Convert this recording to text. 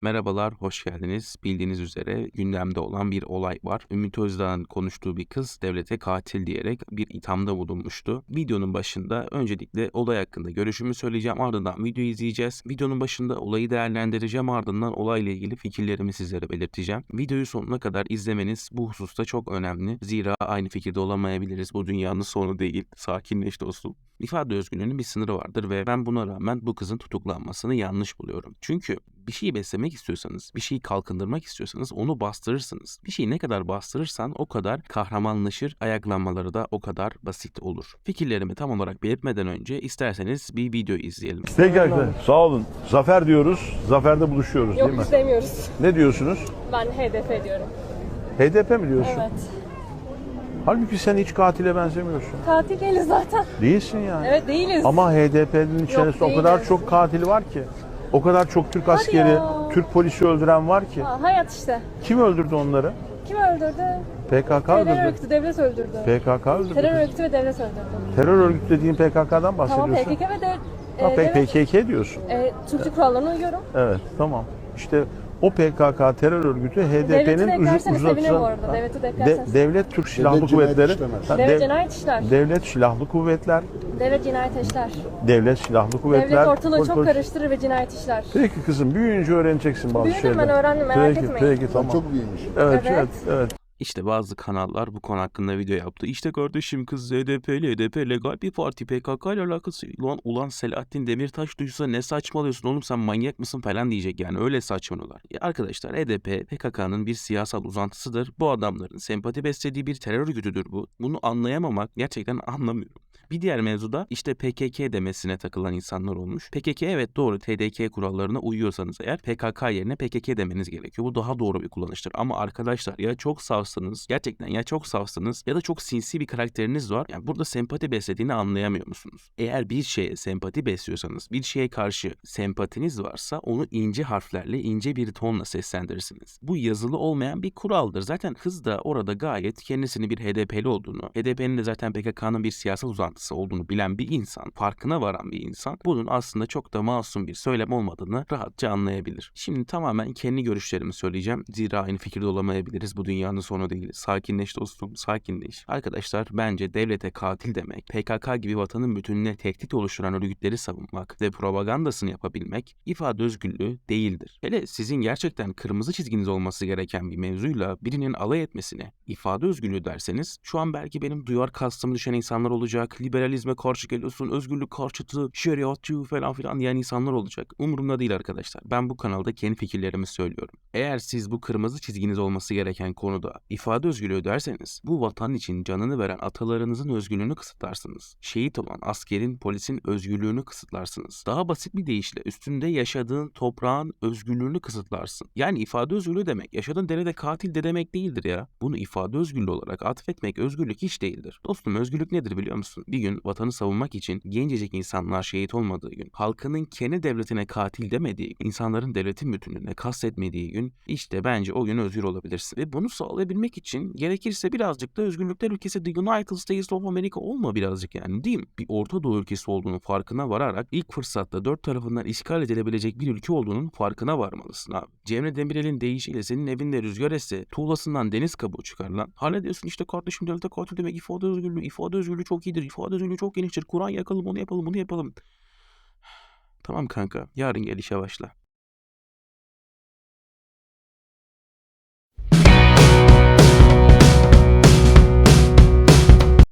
Merhabalar, hoş geldiniz. Bildiğiniz üzere gündemde olan bir olay var. Ümit Özdağ'ın konuştuğu bir kız devlete katil diyerek bir ithamda bulunmuştu. Videonun başında öncelikle olay hakkında görüşümü söyleyeceğim. Ardından videoyu izleyeceğiz. Videonun başında olayı değerlendireceğim. Ardından olayla ilgili fikirlerimi sizlere belirteceğim. Videoyu sonuna kadar izlemeniz bu hususta çok önemli. Zira aynı fikirde olamayabiliriz. Bu dünyanın sonu değil. Sakinleş dostum. İfade özgürlüğünün bir sınırı vardır ve ben buna rağmen bu kızın tutuklanmasını yanlış buluyorum. Çünkü bir şeyi beslemek istiyorsanız, bir şeyi kalkındırmak istiyorsanız onu bastırırsınız. Bir şeyi ne kadar bastırırsan o kadar kahramanlaşır, ayaklanmaları da o kadar basit olur. Fikirlerimi tam olarak belirtmeden önce isterseniz bir video izleyelim. Peki arkadaşlar, sağ olun. Zafer diyoruz, zaferde buluşuyoruz değil mi? Yok, istemiyoruz. Ne diyorsunuz? Ben HDP diyorum. HDP mi diyorsun? Evet. Halbuki sen hiç katile benzemiyorsun. Katil değiliz zaten. Değilsin yani. Evet, değiliz. Ama HDP'nin içerisinde o kadar değiliz. çok katili var ki. O kadar çok Türk askeri, ya. Türk polisi öldüren var ki. Ha, hayat işte. Kim öldürdü onları? Kim öldürdü? PKK Terör öldürdü. örgütü, devlet öldürdü. PKK öldürdü. Terör örgütü ve devlet öldürdü. Terör örgütü dediğin PKK'dan Tamam, bahsediyorsun. PKK ve Ha, devlet. PKK diyorsun. Türk kurallarına uyuyorum. Evet, tamam. İşte o PKK terör örgütü Devleti de HDP'nin eklerseniz sevinirim bu arada. Devleti de eklerseniz. Devlet Türk Silahlı Kuvvetleri, Ha, Devlet cinayet işler. Devlet Silahlı Kuvvetler, Devlet cinayet işler. Devlet Silahlı Kuvvetler. Devlet ortalığı çok polis- karıştırır ve cinayet işler. Peki kızım, büyüyünce öğreneceksin bazı Büyüdüm şeyleri. ben, öğrendim, merak Peki, etmeyin. Peki, tamam. Çok büyümüş. Evet, Evet. evet. İşte bazı kanallar bu konu hakkında video yaptı. İşte kardeşim kız HDP legal bir parti, PKK ile alakası. Ulan Selahattin Demirtaş duysa ne saçmalıyorsun oğlum, sen manyak mısın falan diyecek yani, öyle saçmalıyorlar. Ya arkadaşlar, HDP PKK'nın bir siyasal uzantısıdır. Bu adamların sempati beslediği bir terör örgütüdür bu. Bunu anlayamamak, gerçekten anlamıyorum. Bir diğer mevzuda işte PKK demesine takılan insanlar olmuş. PKK, evet doğru, TDK kurallarına uyuyorsanız eğer PKK yerine PKK demeniz gerekiyor. Bu daha doğru bir kullanıştır. Ama arkadaşlar, ya çok safsınız, gerçekten ya çok safsınız ya da çok sinsi bir karakteriniz var. Yani burada sempati beslediğini anlayamıyor musunuz? Eğer bir şeye sempati besliyorsanız, bir şeye karşı sempatiniz varsa onu ince harflerle, ince bir tonla seslendirirsiniz. Bu yazılı olmayan bir kuraldır. Zaten kız da orada gayet kendisini bir HDP'li olduğunu, HDP'nin de zaten PKK'nın bir siyasal uzantısı olduğunu bilen bir insan, farkına varan bir insan, bunun aslında çok da masum bir söylem olmadığını rahatça anlayabilir. Şimdi tamamen kendi görüşlerimi söyleyeceğim. Zira aynı fikirde olamayabiliriz. Bu dünyanın sonu değil. Sakinleş dostum, sakinleş. Arkadaşlar, bence devlete katil demek, PKK gibi vatanın bütününe tehdit oluşturan örgütleri savunmak ve propagandasını yapabilmek ifade özgürlüğü değildir. Hele sizin gerçekten kırmızı çizginiz olması gereken bir mevzuyla birinin alay etmesine ifade özgürlüğü derseniz, şu an belki benim duyar kastımı düşen insanlar olacak, liberalizme karşı geliyorsun, özgürlük karşıtı, şeriatçı falan filan diyen insanlar olacak. Umurumda değil arkadaşlar. Ben bu kanalda kendi fikirlerimi söylüyorum. Eğer siz bu kırmızı çizginiz olması gereken konuda ifade özgürlüğü derseniz, bu vatan için canını veren atalarınızın özgürlüğünü kısıtlarsınız. Şehit olan askerin, polisin özgürlüğünü kısıtlarsınız. Daha basit bir deyişle üstünde yaşadığın toprağın özgürlüğünü kısıtlarsın. Yani ifade özgürlüğü demek, yaşadığın derede katil de demek değildir ya. Bunu ifade özgürlüğü olarak atfetmek özgürlük hiç değildir. Dostum, özgürlük nedir biliyor musun? Bir gün vatanı savunmak için gencecik insanlar şehit olmadığı gün, halkının kendi devletine katil demediği, insanların devletin bütünlüğüne kastetmediği gün, işte bence o gün özgür olabilirsin. Ve bunu sağlayabilmek için gerekirse birazcık da özgürlükler ülkesi The United States of America olma birazcık, yani değil mi? Bir Orta Doğu ülkesi olduğunu farkına vararak ilk fırsatta dört tarafından işgal edilebilecek bir ülke olduğunun farkına varmalısın abi. Cemre Demirel'in deyişiyle senin evinde rüzgar esse tuğlasından deniz kabuğu çıkar lan. Hala diyorsun işte kardeşim devlete katil demek ifade özgürlüğü. İfade özgürlüğü çok iyidir. İfade özgürlüğü çok geniştir. Kur'an yakalım, onu yapalım, bunu yapalım. Tamam kanka, yarın gel işe başla.